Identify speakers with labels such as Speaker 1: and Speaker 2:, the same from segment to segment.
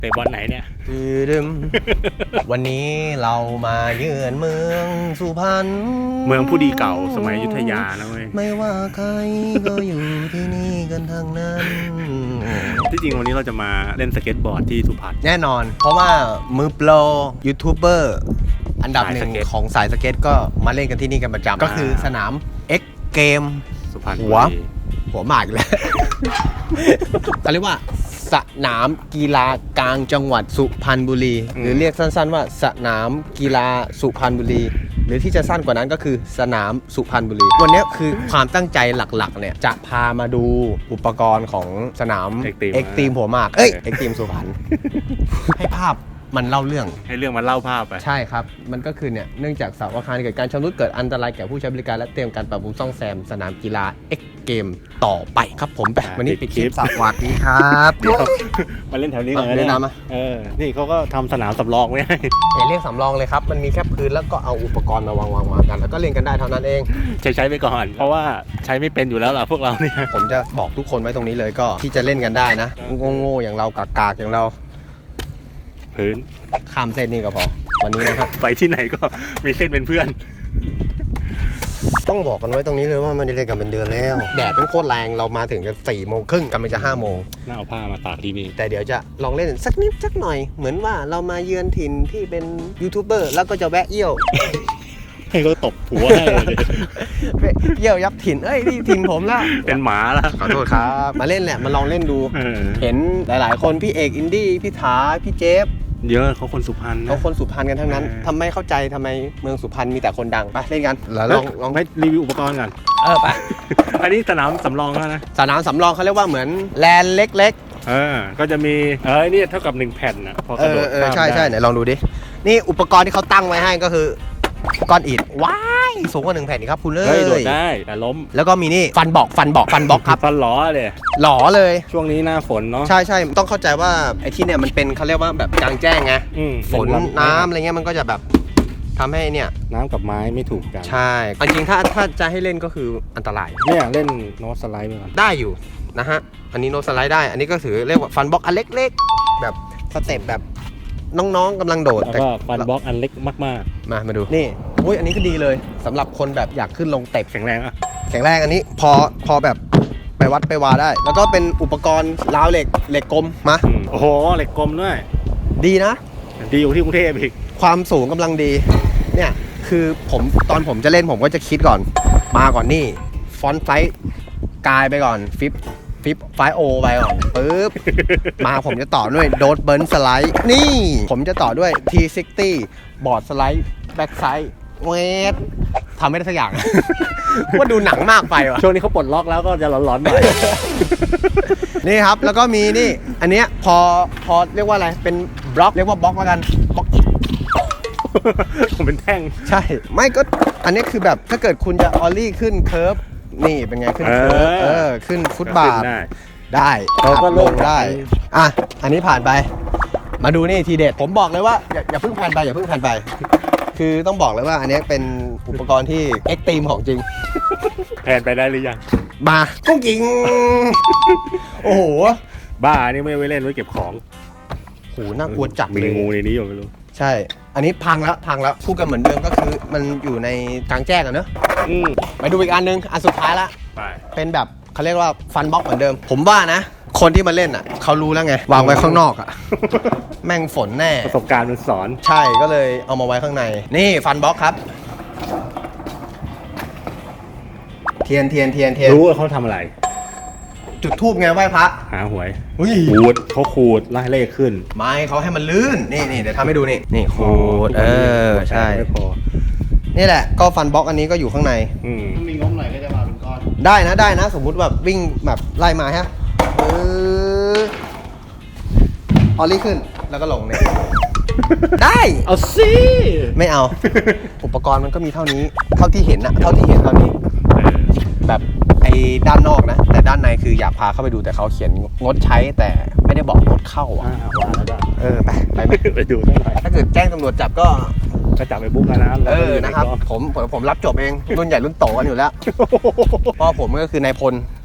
Speaker 1: เตะบอลไหนเนี่ย
Speaker 2: ดึมวันนี้เรามาเยือนเมืองสุพรรณ
Speaker 1: เมืองผู้ดีเก่าสมัยอยุธยานะเว้ย
Speaker 2: ไม่ว่าใครก็อยู่ที่นี่กันทั้งนั้น
Speaker 1: ที่จริงวันนี้เราจะมาเล่นสเก็ตบอร์ดที่สุพรรณ
Speaker 2: แน่นอนเพราะว่ามือโปรยูทูบเบอร์อันดับหนึ่งของสายสเก็ตก็มาเล่นกันที่นี่กันประจำก็คือสนาม X Game
Speaker 1: สุพรรณ
Speaker 2: หัวหมากแล้วเขาเรียกว่าสนามกีฬากลางจังหวัดสุพรรณบุรีหรือเรียกสั้นๆว่าสนามกีฬาสุพรรณบุรีหรือที่จะสั้นกว่านั้นก็คือสนามสุพรรณบุรีวันนี้คือความตั้งใจหลักๆเนี่ยจะพามาดูอุปกรณ์ของสนาม X Team หัวหมากX Team สุพรรณให้ภาพมันเล่าเรื่อง
Speaker 1: ให้เรื่องมันเล่าภาพไป
Speaker 2: ใช่ครับมันก็คือเนี่ยเนื่องจากเสาอาคารเกิดการชำรุดเกิดอันตรายแก่ผู้ใช้บริการและเตรียมการปรับปรุงซ่อมแซมสนามกีฬา X Game ต่อไปครับผมแบบวันนี้ปิดคลิปสวัสดีครับ
Speaker 1: มาเล่นแถวนี้ก่อน
Speaker 2: เลยนะมา
Speaker 1: นี่เขาก็ทำสนามสำรองไว้ให้
Speaker 2: เรียกสำรองเลยครับมันมีแค่พื้นแล้วก็เอาอุปกรณ์มาวางกันแล้วก็เล่นกันได้เท่านั้นเอง
Speaker 1: ใช้ไปก่อนเพราะว่าใช้ไม่เป็นอยู่แล้วล่ะพวกเราเนี่ย
Speaker 2: ผมจะบอกทุกคนไว้ตรงนี้เลยก็ที่จะเล่นกันได้นะโง่ๆอย่างเรากากๆอย่างเรา
Speaker 1: พื้น
Speaker 2: ข้ามเส้นนี่ก็พอวันนี้นะครับ
Speaker 1: ไปที่ไหนก็มีเส้นเป็นเพื่อน
Speaker 2: ต้องบอกกันไว้ตรงนี้เลยว่ามันได้เล่นกันเป็นเดือนแล้วแดดเป็นโคตรแรงเรามาถึงกัน4:30กันไปจะ5 โมง
Speaker 1: น่าเอาผ้ามาตากที่นี่
Speaker 2: แต่เดี๋ยวจะลองเล่นสักนิดสักหน่อยเหมือนว่าเรามาเยือนถิ่นที่เป็นยูทูบเบอร์แล้วก็จะแวะเยี่ยว
Speaker 1: ให้เขาตบหัวให้
Speaker 2: เยี่ยวยับถิ่นนี่ถิ่นผมละ
Speaker 1: เป็นหมาละ
Speaker 2: ขอโทษครับมาเล่นแหละมาลองเล่นดูเห็นหลายๆคนพี่เอกอินดี้พี่ถาพี่เจฟ
Speaker 1: เยอะเขาคนสุพรรณ
Speaker 2: เขาคนสุพรรณกันทั้งนั้นทำไมเข้าใจทำไมเมืองสุพรรณมีแต่คนดังไปเล่นกัน
Speaker 1: ลองให้รีวิวอุปกรณ์กัน
Speaker 2: ไป
Speaker 1: อันนี้สนามสำรองแล้วนะ
Speaker 2: สนามสำรองเขาเรียกว่าเหมือนแลนเล็ก
Speaker 1: ๆก็จะมีนี่เท่ากับ1แผ่นนะพอกระโดด
Speaker 2: ใช่ไหนลองดูดินี่อุปกรณ์ที่เขาตั้งไว้ให้ก็คือก้อนอิฐว้ายสูงกว่า1แผ่นนี่ครับคุณเลย
Speaker 1: โดดได้แต่ล้ม
Speaker 2: แล้วก็มีนี่ฟันบอกครับ
Speaker 1: ฟันหล่อเลยช่วงนี้หน้าฝนเนาะ
Speaker 2: ใช่ต้องเข้าใจว่าไอ้ที่เนี่ยมันเป็นเขาเรียกว่าแบบกลางแจ้งไงฝนน้ำอะไรเงี้ยมันก็จะแบบทำให้เนี่ย
Speaker 1: น้ำกับไม้ไม่ถูกกัน
Speaker 2: ใช่จริงถ้าจะให้เล่นก็คืออันตราย
Speaker 1: เนี่ยเล่นโน้ตสไลด์ไปก่อน
Speaker 2: ได้อยู่นะฮะอันนี้โน้ตสไลด์ได้อันนี้ก็ถือเรียกว่าฟันบล็อกอันเล็กๆแบบสเต็ปแบบน้องๆกำลังโดด
Speaker 1: แล้วก็ฟันบล็อกอันเล็กมาก
Speaker 2: ๆมาดูนี่อุ้ยอันนี้ก็ดีเลยสำหรับคนแบบอยากขึ้นลงเตะ
Speaker 1: แข็งแรง
Speaker 2: อันนี้พอแบบไปวัดไปวาได้แล้วก็เป็นอุปกรณ์ราวเหล็กกลมมา
Speaker 1: โอ้โหเหล็กกลมด้วย
Speaker 2: ดีนะ
Speaker 1: ดีอยู่ที่กรุงเทพอีก
Speaker 2: ความสูงกำลังดีเนี่ยคือตอนผมจะเล่นผมก็จะคิดก่อนมาก่อนนี่ฟอนต์ไซส์กายไปก่อนฟิปไฟโอไปก่อนปึ๊บมาผมจะต่อด้วยโดดเบิร์นสไลด์นี่ผมจะต่อด้วย T60 บอร์ดสไลด์แบ็กไซด์เวททำไม่ได้สักอย่างว่าดูหนังมากไปว่ะ
Speaker 1: ช่วงนี้เขาปลดล็อกแล้วก็จะร้อนๆหน่อย
Speaker 2: นี่ครับแล้วก็มีนี่อันเนี้ยพอเรียกว่าอะไรเป็นบล็อกเรียกว่าบล็อกแล้วกันบล็อก
Speaker 1: ผมเป็นแท่ง
Speaker 2: ใช่ไม่ก็อันนี้คือแบบถ้าเกิดคุณจะออลลี่ขึ้นเคิร์ฟนี่เป็นไงขึ้นเคิร์ฟขึ้นฟุตบาทได้
Speaker 1: เราก็ลง
Speaker 2: ได้อันนี้ผ่านไปมาดูนี่ทีเด็ดผมบอกเลยว่าอย่าเพิ่งผ่านไปคือต้องบอกเลยว่าอันนี้เป็นอุปกรณ์ที่เอ็กซ์ตรีมของจริง
Speaker 1: แผนไปได้หรือยัง
Speaker 2: มากุ้งกิ่งโอ้โห
Speaker 1: บ้านี่ไม่ไว้เล่นไว้เก็บของ
Speaker 2: โหน่ากลัวจัดเลย
Speaker 1: มีงูในนี้อยู่ไม่รู้
Speaker 2: ใช่อันนี้พังแล้วพูดกันเหมือนเดิมก็คือมันอยู่ในกลางแจ้งอะเนอะไปดูอีกอันนึงอันสุดท้ายละเป็นแบบเขาเรียกว่าฟันบ็อกเหมือนเดิมผมว่านะคนที่มาเล่นอ่ะเขารู้แล้วไงวางไว้ข้างนอกอ่ะแม่งฝนแน่
Speaker 1: ประสบการณ์มันสอน
Speaker 2: ใช่ก็เลยเอามาไว้ข้างในนี่ฟันบ็อกครับเทียน
Speaker 1: รู้ว่าเขาทำอะไร
Speaker 2: จุดทูบไงไหว้พระ
Speaker 1: หาหวย
Speaker 2: เขา
Speaker 1: ขูดไล่เลขขึ้น
Speaker 2: ไม่เขาให้มันลื่นนี่เดี๋ยวทำให้ดูนี่ขูดใช่นี่แหละก็ฟันบ็อกอันนี้ก็อยู่ข้างใน
Speaker 1: ถ้ามีงบหน่อยก็จะมาเป็นก้อน
Speaker 2: ได้นะสมมุติแบบวิ่งแบบไล่มาฮะออลลี่ขึ้นแล้วก็ลงเนี่ยได้
Speaker 1: เอาสิ
Speaker 2: ไม่เอาอุปกรณ์มันก็มีเท่านี้เท่าที่เห็นเท่านี้แบบไอ้ด้านนอกนะแต่ด้านในคืออยากพาเข้าไปดูแต่เขาเขียนงดใช้แต่ไม่ได้บอกงดเข้าไป
Speaker 1: ดู
Speaker 2: ถ้าเกิดแจ้งตำรวจจับก็
Speaker 1: จับไปบุ๊กนะ
Speaker 2: นะครับผมรับจบเองรุ่นใหญ่รุ่นโตกันอยู่แล้วพ่อผมก็คือนายพล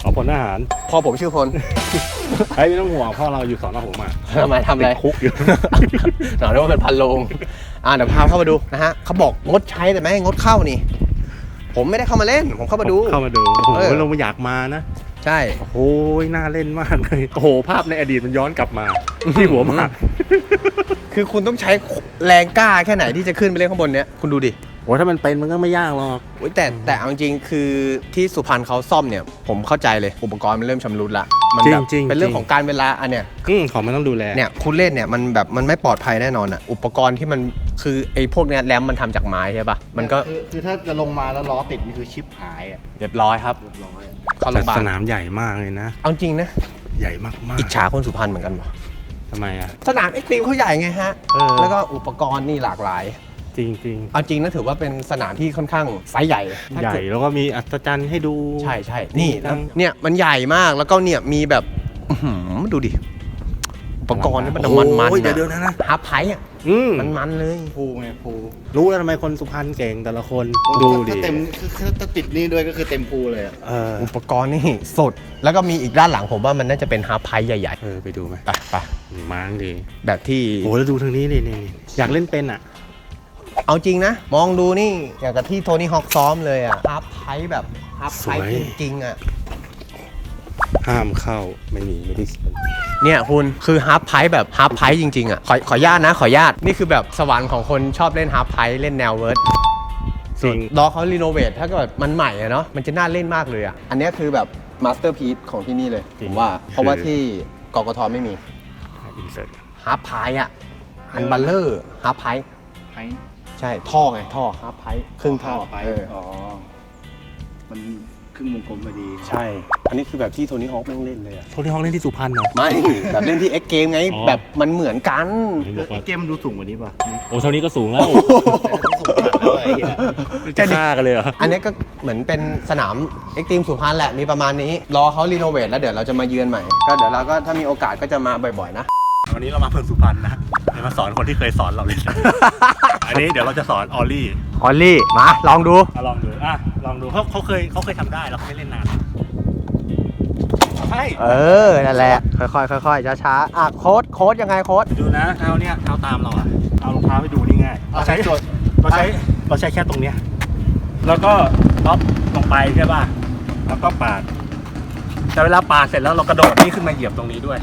Speaker 1: อ๋อพลทหาร
Speaker 2: พ่อผมชื่อพล
Speaker 1: ไอ้ยไม่ต้องห่วงพ่อเราอยู่สอนอผมอ่ะ
Speaker 2: ทำไมทำอะไร
Speaker 1: ติดคุกอยู่
Speaker 2: หน่อยว่าเป็นพันโลงเดี๋ยวพาเข้ามาดูนะฮะเขาบอกงดใช้แต่ไม่ให้งดเข้านี่ ผมไม่ได้เข้ามาเล่น ผมเข้ามาดู
Speaker 1: เข้ามาดูโอ้โห เราไม่อยากมานะ
Speaker 2: ใช่
Speaker 1: โอ้โหน่าเล่นมากเลยโอ้โหภาพในอดีตมันย้อนกลับมาที่หัวมาก
Speaker 2: คือคุณต้องใช้แรงกล้าแค่ไหนที่จะขึ้นไปเล่นข้างบนเนี้ยคุณดูดิ
Speaker 1: โอ้ถ้ามันเป็นมันก็ไม่ยากหรอก
Speaker 2: โอ้ยแต่เอาจริงๆคือที่สุพรรณเขาซ่อมเนี่ย ผมเข้าใจเลยอุปกรณ์มันเริ่มชำรุดละมัแบบเป็นเรื่องของการเวลาอันเนี้ย
Speaker 1: ของมันต้องดูแล
Speaker 2: เนี่ยคุณเล่นเนี่ยมันแบบมันไม่ปลอดภัยแน่นอนอ่ะอุปกรณ์ที่มันคือไอ้พวกเนี้ยแรมมันทำจากไม้ใช่ปะมันก็
Speaker 3: คือถ้าจะลงมาแล้วล้อติดนี่คือชิปหายอ่ะ
Speaker 2: เรียบร้อยครับ
Speaker 3: เรียบร้อย
Speaker 2: เข้าโรงพยาบาล
Speaker 1: สนามใหญ่มากเลยนะ
Speaker 2: เอาจริงนะ
Speaker 1: ใหญ่มากๆ
Speaker 2: อิจฉาคนสุพรรณเหมือนกันวะ
Speaker 1: ทำไมอ่ะ
Speaker 2: สนามเอ็กซ์ตรีมเขาใหญ่ไงฮะ แล้วก็อุปกรณ์นี่หลากหลาย
Speaker 1: จริง
Speaker 2: เอาจริงนะถือว่าเป็นสนามที่ค่อนข้างไซส์ใหญ่
Speaker 1: ๆ ใหญ่แล้วก็มีอัศจรรย์ให้ดู
Speaker 2: ใช่ใช่นี่แล้วเนี่ยมันใหญ่มากแล้วก็เนี่ยมีแบบอื้อหือดูดิอุปกรณ์นี่มันมัน
Speaker 1: โอ้ยเดี๋ยวนะ
Speaker 2: ฮาร์ปไพร์อ่ะมันเลย
Speaker 3: ภูไงภู
Speaker 1: รู้แล้วทำไมคนสุพรรณเก่งแต่ละคนดูดิ
Speaker 3: ถ้าเต็มคือถ้าติดนี่ด้วยก็คือเต็มภูเลยอ่ะ
Speaker 2: อุปกรณ์นี่สดแล้วก็มีอีกด้านหลังผมว่ามันน่าจะเป็นฮาร์ปไพร์ใหญ่
Speaker 1: ไปดูไหม
Speaker 2: ๆไป
Speaker 1: มาดี
Speaker 2: แบบที่
Speaker 1: โอ้แล้วดูทางนี้นี่อยากเล่นเป็นอ่ะ
Speaker 2: เอาจริงนะ มองดูนี่อย่างกับที่โทนี่ฮอคซ้อมเลยอ่ะฮาร์ปไพร์แบบฮาร์ปไพร์จริงๆอ่ะ
Speaker 1: ห้ามเข้าไม่ได้เขียน
Speaker 2: เนี่ยคุณคือฮาร์ปไพร์แบบฮาร์ปไพร์จริงๆอ่ะขออนุญาตนะขออนุญาตนี่คือแบบสวรรค์ของคนชอบเล่นฮาร์ปไพร์เล่นแนวเวิร์ด
Speaker 1: จริง
Speaker 2: รอเขารีโนเวทถ้าเกิดมันใหม่อะเนาะมันจะน่าเล่นมากเลยอ่ะอันนี้คือแบบมาสเตอร์พีซของที่นี่เลยผมว่าเพราะว่าที่กกทไม่มี
Speaker 1: อินเสิร์ต
Speaker 2: ฮาร์ปไพร์อ่ะอันบัลเลอร์ฮาร์ปไพร์
Speaker 3: ไพ
Speaker 2: ใช่ท่อไงท่อฮาร์ปไพร์ครึ่งท่อ
Speaker 3: ไปอ๋อมันครึ่งวงกลมพอดี
Speaker 2: ใช่อันนี้คือแบบที่โทนี่ฮอคแม่งเล่นเลยอ่ะ
Speaker 1: โทนี่ฮอคเล่นที่สุพรรณเหรอ
Speaker 2: ไม่ แบบเล่นที่ X Game ไง
Speaker 1: อ๋อ
Speaker 2: แบบมันเหมือนกัน
Speaker 3: เกมมันดูสูงกว่านี้ป่ะ
Speaker 1: โอ้เท่านี้ก็สูงแล้ว
Speaker 3: สูงกว่าด้วยไอ้เหี้ย
Speaker 1: จะฆ่ากันเลยเหรอ
Speaker 2: อันนี้ก็เหมือนเป็นสนาม X Team สุพรรณแหละ มีประมาณนี้ รอเขารีโนเวทแล้วเดี๋ยวเราจะมาเยือนใหม่ ก็เดี๋ยวเราก็ถ้ามีโอกาสก็จะมาบ่อยๆนะ
Speaker 1: วันนี้เรามาเพิ่มสุพรรณนะเดี๋ยวมาสอนคนที่เคยสอนเราเลย อันนี้เดี๋ยวเราจะสอนออลลี่
Speaker 2: ออลลี่ มา ลองดู
Speaker 1: ลองดูลองดูเขาเคยทำได้แล้วเขาไม่เล่นนานใช่
Speaker 2: นั่นแหละ ค่อยๆค่อยๆช้าๆโค้ดยังไงโค้ด
Speaker 1: ดูนะเท้าเนี่ยเท้าตามเราอะเอารองเท้าไปดูนี่ง่ายเราใช้แค่ตรงเนี้ยแล้วก็ล็อกลงไปใช่ป่ะแล้วก็ปาดแต่เวลาปาดเสร็จแล้วเรากระโดดนี่ขึ้นมาเหยียบตรงนี้ด้วย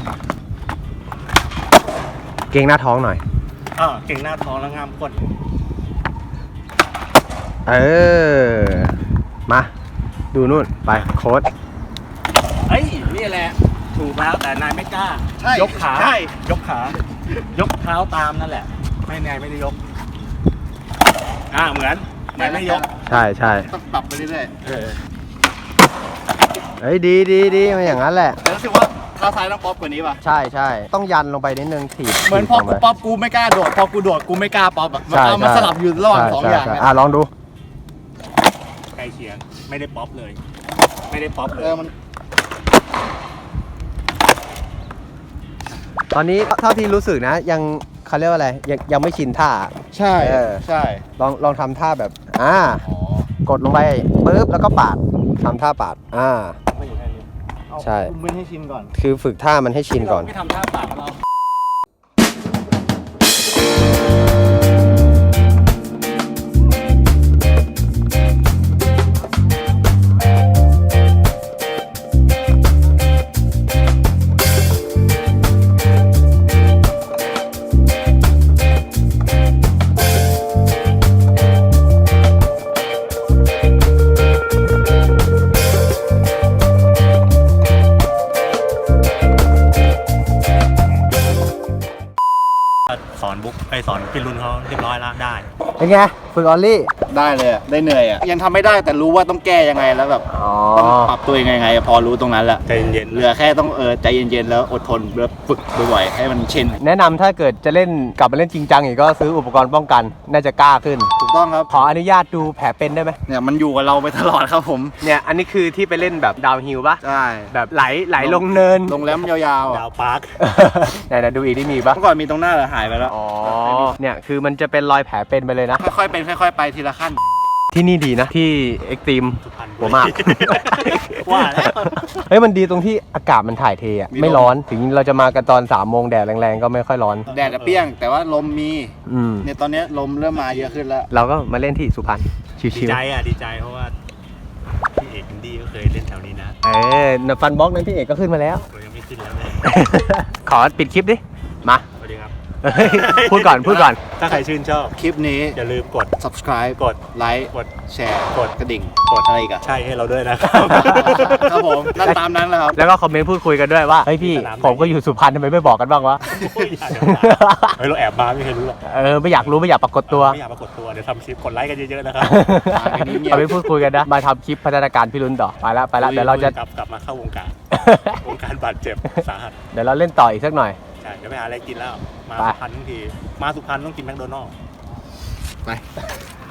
Speaker 2: เกรงหน้าท้องหน่อย
Speaker 1: เก่งหน้าท้องแล้วง่ามก้น
Speaker 2: มา ดูนู่น ไปโค้ด
Speaker 1: เฮ้ยนี่แหละถูกแล้วแต่นายไม่กล้า
Speaker 3: ใช่
Speaker 1: ยกขา
Speaker 3: ใช่
Speaker 1: ยกขา ยกเท้าตามนั่นแหละ ไม่นายไม่ได้ยกเหมือนนายไม่ยก
Speaker 2: ใช่
Speaker 3: ต้องปรับไปเรื่อย
Speaker 2: เฮ้ยดีมันอย่างนั้นแหละ
Speaker 3: ๆแต่รู้สึกว่าเท้าซ้ายต้องป๊อปกว่านี้ป่ะ
Speaker 2: ใช่ต้องยันลงไปนิดนึงถีบ
Speaker 3: เหมือนพอกูป๊อปกูไม่กล้าโดด พอกูโดดกูไม่กล้าป๊อปแบบมันสลับอยู่ระหว่างสองอย่างเนี่ย
Speaker 2: ลองดู
Speaker 1: ใกล้เคียงไม่ได้ป๊อปเลย ไม่ได้ป๊อปเลย
Speaker 3: มัน
Speaker 2: ตอนนี้เท่าที่รู้สึกนะยังเขาเรียกว่าอะไรยังไม่ชินท่า
Speaker 3: ใช่ ใช่
Speaker 2: ลองทำท่าแบบ
Speaker 3: อ๋อก
Speaker 2: ดลงไปปึ๊บแล้วก็ปาดทำท่าปาด
Speaker 1: ไม่อยู่แค่นี้
Speaker 2: ใช่
Speaker 3: คุมมันให้ชินก่อน
Speaker 2: คือฝึกท่ามันให้ชินก่อน
Speaker 1: ไม่ทำท่าปากเรา สอนบุ๊กสอนพี่รุ่นเขาเรียบร้อยแล้วได้
Speaker 2: เป็นไงฝึกออลลี่
Speaker 3: ได้เลยอะได้เหนื่อยอ่ะยังทำไม่ได้แต่รู้ว่าต้องแก้ยังไงแล้วแบบต้องปรับตัวยังไงพอรู้ตรงนั้นแหละ
Speaker 1: ใจเย็น
Speaker 3: เหลือแค่ต้องใจเย็นๆแล้วอดทนแล้วฝึกบ่อยๆให้มันชิน
Speaker 2: แนะนำถ้าเกิดจะเล่นกลับมาเล่นจริงจังอีกก็ซื้ออุปกรณ์ป้องกันน่าจะกล้าขึ้น
Speaker 3: ถูกต้องครับ
Speaker 2: ขออนุญาตดูแผลเป็นได้ไหม
Speaker 3: เนี่ยมันอยู่กับเราไปตลอดครับผม
Speaker 2: เนี่ยอันนี้คือที่ไปเล่นแบบดาวฮิลปะ
Speaker 3: ใช่
Speaker 2: แบบไหลลงเนิน
Speaker 3: ลงแรมยาวๆ
Speaker 1: ดา
Speaker 3: อ่ะ
Speaker 1: วปาร์ค
Speaker 2: ไหนดูอีกที่มีปะ
Speaker 3: เมื่อก่อนมีตรงหน้าแต่หายไปแล้ว
Speaker 2: เนี่ยคือมันจะเป็นรอยแผลเป็นไปเลยนะ
Speaker 3: ค่อยๆเป็นค่อยๆไปทีละขั้น
Speaker 2: ที่นี่ดีนะที่เอ็กตรีม
Speaker 1: สุพรรณบุ
Speaker 2: หัวหมาก
Speaker 1: ว่าแล้ว
Speaker 2: เฮ้ยมันดีตรงที่อากาศมันถ่ายเทอ่ะไม่ร้อนถึงเราจะมากันตอน3 โมงแดดแรงๆก็ไม่ค่อยร้อน
Speaker 3: แดดอะเปรี้ยง แต่ว่าลมมี
Speaker 2: เนี่ย
Speaker 3: ตอนเนี้ยลมเริ่มมาเยอะขึ้นแล้ว
Speaker 2: เราก็มาเล่นที่สุพรรณ
Speaker 1: ดี
Speaker 2: ชิว
Speaker 1: ใจอ่ะดีใจเพราะว่าพี่เอกอินดี้ก็เคยเล่นแถวนี้นะ
Speaker 2: ๆฟันบล็อกนั้นพี่เอกก็ขึ้นมาแล้ว
Speaker 1: เรายังไม่ขึ้นแล้วเลย
Speaker 2: ขอปิดคลิปดิมา
Speaker 1: สวัสดีครับ
Speaker 2: พูดก่อน
Speaker 1: ถ้าใครชื่นชอบ
Speaker 3: คลิปนี้
Speaker 1: อย่าลืมกด
Speaker 3: subscribe
Speaker 1: กด
Speaker 3: ไลค์
Speaker 1: กด
Speaker 3: แชร์
Speaker 1: กด
Speaker 3: กระดิ่ง
Speaker 1: กด
Speaker 3: อะไรอีกอะ
Speaker 1: ใช่ให้เราด้วยนะครับ
Speaker 3: ครับผมนั่นตามนั้นแหละครับ
Speaker 2: แล้วก็คอมเมนต์พูดคุยกันด้วยว่าเฮ้ยพี่
Speaker 1: สนามไหน
Speaker 2: ผมก็อยู่สุพรรณทำไมไม่บอกกันบ้างวะ
Speaker 1: โอ้ยอย่าเดี๋ยวเฮ้ยเราแอบมาไม่เคยรู้หรอก
Speaker 2: ไม่อยากรู้ไม่อยากปรากฏตัว
Speaker 1: ไม่อยากปรากฏตัวเดี๋ยวทำคลิปกดไลค์กันเยอะๆนะครับ
Speaker 2: คอมเมนต์พูดคุยกันนะมาทำคลิปพัฒนาการพี่ลุ้นต่อไปแล้วเดี๋ยวเราจะ
Speaker 1: กลับมาเข้าวงการ วงการบาดเจ็บสาหัส
Speaker 2: เดี๋ยวเราเล่นต่ออีกสักหน่อย
Speaker 1: ใช่เดี๋ยวไปหาอะไรกินแล้ว มา
Speaker 2: ไป
Speaker 1: สุพรรณทั้งทีมาสุพรรณต้องกินแมคโดนัลด์
Speaker 3: ไป